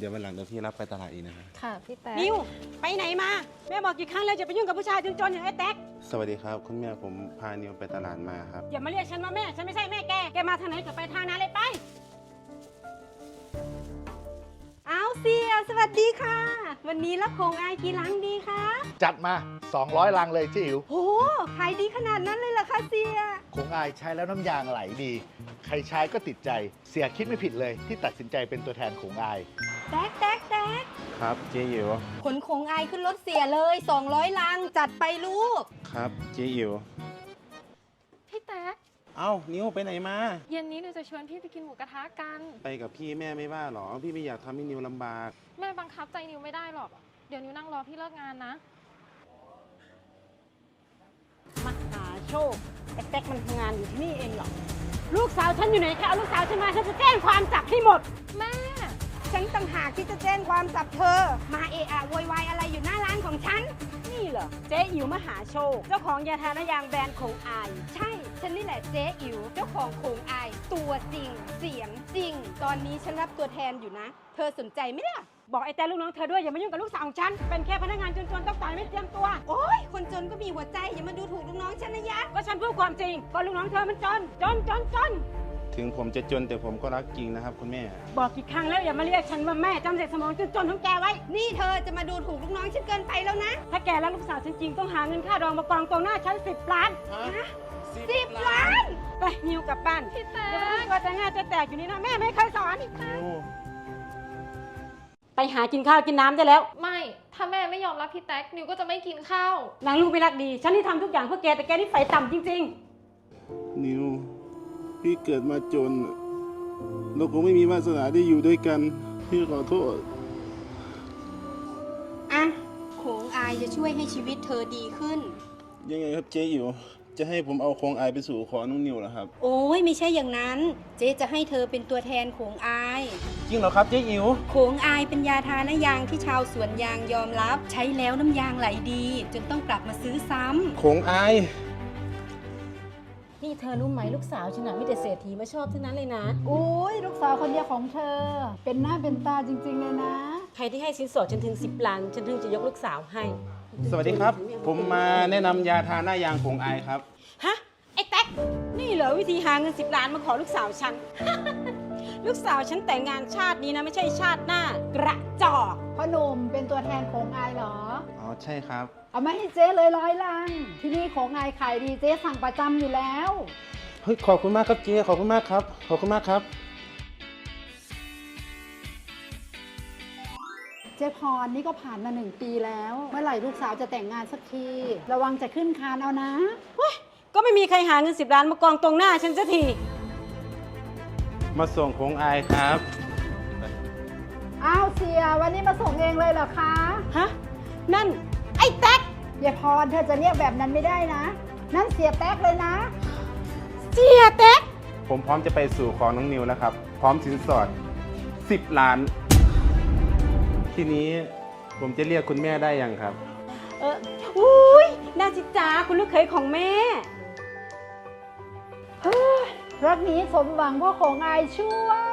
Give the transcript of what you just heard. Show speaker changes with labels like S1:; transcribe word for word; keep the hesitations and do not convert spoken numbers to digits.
S1: เดี๋ยววันหลังเดี๋ยวพี่รับไปตลาดอีกนะครับ
S2: ค่ะพี่แต๊ก
S3: นิวไปไหนมาแม่บอกกี่ครั้งแล้วจะไปยุ่งกับผู้ชายจนๆอย่างไอ้แต๊ก
S1: สวัสดีครับคุณแม่ผมพานิวไปตลาดมาครับ
S3: อย่ามาเรียกฉันว่าแม่ฉันไม่ใช่แม่แกแกมาทางไหนก็ไปทางนั้นเลยไปเอาเสียสวัสดีค่ะวันนี้รับของอายกี่ลังดีคะ
S4: จัดมาสองร้อยลังเลยจิ๋ว
S3: โอ้ขายดีขนาดนั้นเลยเหรอคะเสีย
S4: คงอายใช้แล้วน้ำยางไหลดีใครใช้ก็ติดใจเสียคิดไม่ผิดเลยที่ตัดสินใจเป็นตัวแทนของอาย
S3: แต๊กแต๊กแต๊ก
S1: ครับเจ๊อิ๋ว
S3: ขนของอายขึ้นรถเสียเลยสองร้อยลังจัดไปลูก
S1: ครับเจ๊อิ๋ว
S2: พี่แต๊ก
S1: เอ้านิวไปไหนมา
S2: เย็นนี้หนูจะชวนพี่ไปกินหมูกระทะกัน
S1: ไปกับพี่แม่ไม่ว่าหรอพี่ไม่อยากทำให้นิวลำบาก
S2: แม่บังคับใจนิวไม่ได้หรอกเดี๋ยวนิวนั่งรอพี่เลิกงานนะ
S3: มหาโชคไอ้แต๊กมันทำงานอยู่ที่นี่เองเหรอลูกสาวฉันอยู่ไหนคะเอาลูกสาวฉันมาฉันจะแจ้งความจับให้หมด
S2: แม่
S3: ฉันต่างหากที่จะแจ้งความจับเธอมาเอะอะโวยวายอะไรอยู่หน้าร้านของฉันนี่เหรอเจ๊อิ๋วมหาโชคเจ้าของยาทานยางแบรนด์ของอายใช่ฉันนี่แหละเจ๊อิ๋วเจ้าของของอายตัวจริงเสียงจริงตอนนี้ฉันรับตัวแทนอยู่นะเธอสนใจไหมล่ะบอกไอ้แต่ลูกน้องเธอด้วยอย่ามายุ่งกับลูกสาวของฉันเป็นแค่พนักงานจนๆต้องจ่ายไม่เตรียมตัวโอ๊ยคนจนก็มีหัวใจอย่ามาดูถูกลูกน้องฉันนะยะก็ฉันพูดความจริงก็ลูกน้องเธอมันจนจนจนจน
S1: ถึงผมจะจนแต่ผมก็รักจริงนะครับคุณแม่
S3: บอกกี่ครั้งแล้วอย่ามาเรียกฉันว่าแม่จำเสร็จสมองจนๆของแกไว้นี่เธอจะมาดูถูกลูกน้องฉันเกินไปแล้วนะถ้าแกรักลูกสาวฉันจริงต้องหาเงินค่าดองมากองตรงหน้าฉันสิบล้านฮะสิบล้านไปนิวกลับบ้าน
S2: พี่แต๊
S3: กอย่ามาตัวจะง่ายจะแตกอยู่นี่นะแม่ไม่เคยสอนไปหากินข้าวกินน้ำได้แล้ว
S2: ไม่ถ้าแม่ไม่ยอมรับพี่แต๊กนิวก็จะไม่กินข้าวน
S3: างลูกไม่รักดีฉันที่ทำทุกอย่างเพื่อแกแต่แกนี่ไฟต่ำจริง
S1: ๆนิวพี่เกิดมาจนเราคงไม่มีวาสนาได้อยู่ด้วยกันพี่ขอโทษ
S3: อ่ะโขงอายจะช่วยให้ชีวิตเธอดีขึ้น
S1: ยังไงครับเจ๊อิ๋วจะให้ผมเอาโคงอายไปสู่ขอน้องนิวเหรอครับ
S3: โอ้ยไม่ใช่อย่างนั้นเจ๊จะให้เธอเป็นตัวแทนโขงอาย
S1: จริงเหรอครับเจ๊อิ๋ว
S3: โขงอายเป็นยาทานยางที่ชาวสวนยางยอมรับใช้แล้วน้ำยางไหลดีจนต้องกลับมาซื้อซ้ำ
S1: โขงอาย
S3: นี่เธอรู้ไหมลูกสาวฉันน่ะมีแต่เศรษฐีมาชอบทั้งนั้นเลยนะ
S5: โอ้ยลูกสาวคนเดียวของเธอเป็นหน้าเป็นตาจริงๆเลยนะ
S3: ใครที่ให้สินสอดฉันถึงสิบล้านฉันถึงจะยกลูกสาวให้
S1: สวัสดีครับผมมาแนะนำยาทาหน้ายางโขงอายครับ
S3: ฮะไอ้แต๊กนี่เหรอวิธีหาเงินสิบล้านมาขอลูกสาวฉัน ลูกสาวฉันแต่งงานชาตินี้นะไม่ใช่ชาติหน้ากระจอก
S5: พ่อหนุ่มเป็นตัวแทนของอายเหรอ
S1: อ๋อใช่ครับ
S5: เอามาให้เจ๊เลยร้อยลังที่นี่ของอายขายดีเจ๊สั่งประจำอยู่แล้ว
S1: เฮ้ยขอบคุณมากครับเจ๊ขอบคุณมากครับขอบคุณมากครับ
S5: เจ๊พรนี่ก็ผ่านมาหนึ่งปีแล้วเมื่อไหร่ลูกสาวจะแต่งงานสักทีระวังจะขึ้นคานเอานะ
S3: ก็ไม่มีใครหาเงินสิบล้านมากองตรงหน้าฉันสักที
S1: มาส่งโขงอายครับ
S5: อ้าวเสียวันนี้มาส่งเองเลยเหรอคะ
S3: ฮะนั่นไอ้แต๊ก
S5: เยพรเธอจะเรียกแบบนั้นไม่ได้นะนั่นเสียแต๊กเลยนะ
S3: เสียแต๊ก
S1: ผมพร้อมจะไปสู่ขอน้องนิวแล้วครับพร้อมสินสอดสิบล้านทีนี้ผมจะเรียกคุณแม่ได้ยังครับ
S3: เอออุ้ยน่าจิจ้าคุณลูกเขยของแม่
S5: เฮ้ยรักนี้สมหวังเพราะของอายช่วย